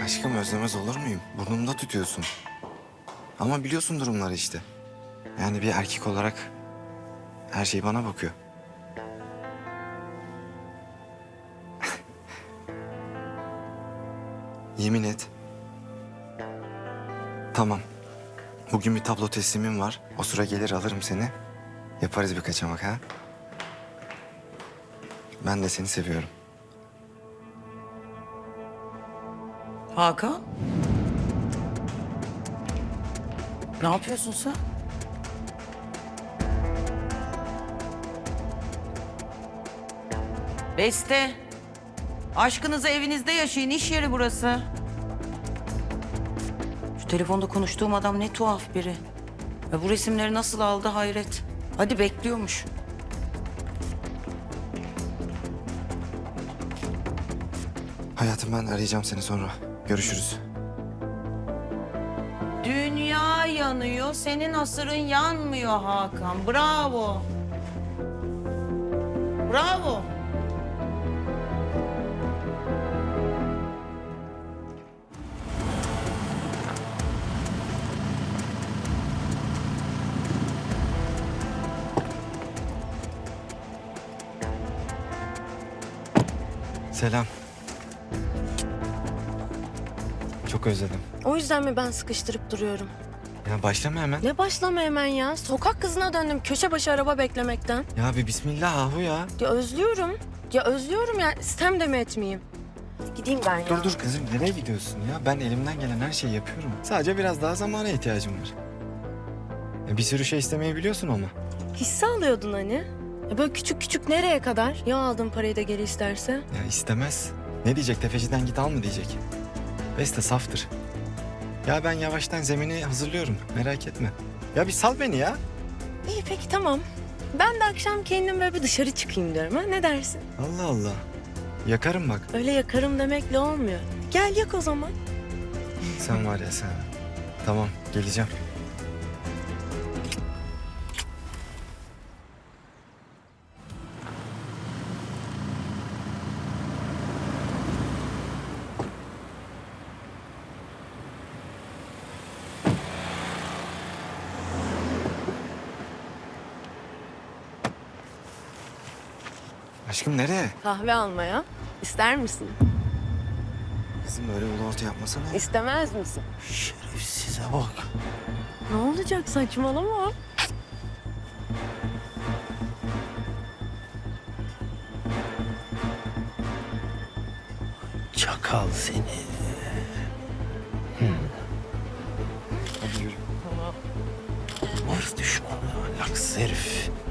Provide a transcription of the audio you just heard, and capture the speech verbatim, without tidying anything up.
Aşkım özlemez olur muyum? Burnumda tutuyorsun. Ama biliyorsun durumları işte. Yani bir erkek olarak her şey bana bakıyor. Yemin et. Tamam. Bugün bir tablo teslimim var. O sıra gelir alırım seni. Yaparız bir kaçamak ha. Ben de seni seviyorum. Hakan? Ne yapıyorsun sen? Beste. Aşkınızı evinizde yaşayın. İş yeri burası. Şu telefonda konuştuğum adam ne tuhaf biri. Ve bu resimleri nasıl aldı hayret. Hadi bekliyormuş. Hayatım ben arayacağım seni sonra. Görüşürüz. Dünya yanıyor, senin asırın yanmıyor Hakan. Bravo. Bravo. Selam. Çok özledim. O yüzden mi ben sıkıştırıp duruyorum? Ya başlama hemen. Ne başlama hemen ya? Sokak kızına döndüm köşe başı araba beklemekten. Ya bir bismillah ahu ya. Ya özlüyorum. Ya özlüyorum ya. İstem de mi etmeyeyim? Gideyim ben ya. Dur dur kızım nereye gidiyorsun ya? Ben elimden gelen her şeyi yapıyorum. Sadece biraz daha zamana ihtiyacım var. Ya bir sürü şey istemeyi biliyorsun ama. Hisse alıyordun hani. Ya böyle küçük küçük nereye kadar? Ya aldığın parayı da geri isterse? Ya istemez. Ne diyecek? Tefeciden git al mı diyecek? Beste saftır. Ya ben yavaştan zemini hazırlıyorum. Merak etme. Ya bir sal beni ya. İyi peki tamam. Ben de akşam kendim böyle bir dışarı çıkayım diyorum ha. Ne dersin? Allah Allah. Yakarım bak. Öyle yakarım demekle olmuyor. Gel yak o zaman. Sen var ya sen. Tamam geleceğim. Aşkım nereye? Kahve almaya. İster misin? Kızım böyle ulu orta yapmasana. İstemez misin? Şerefsize bak. Ne olacak saçmalama. Çakal seni. Hadi yürü. Hırs düşmanı, ahlaksız herif.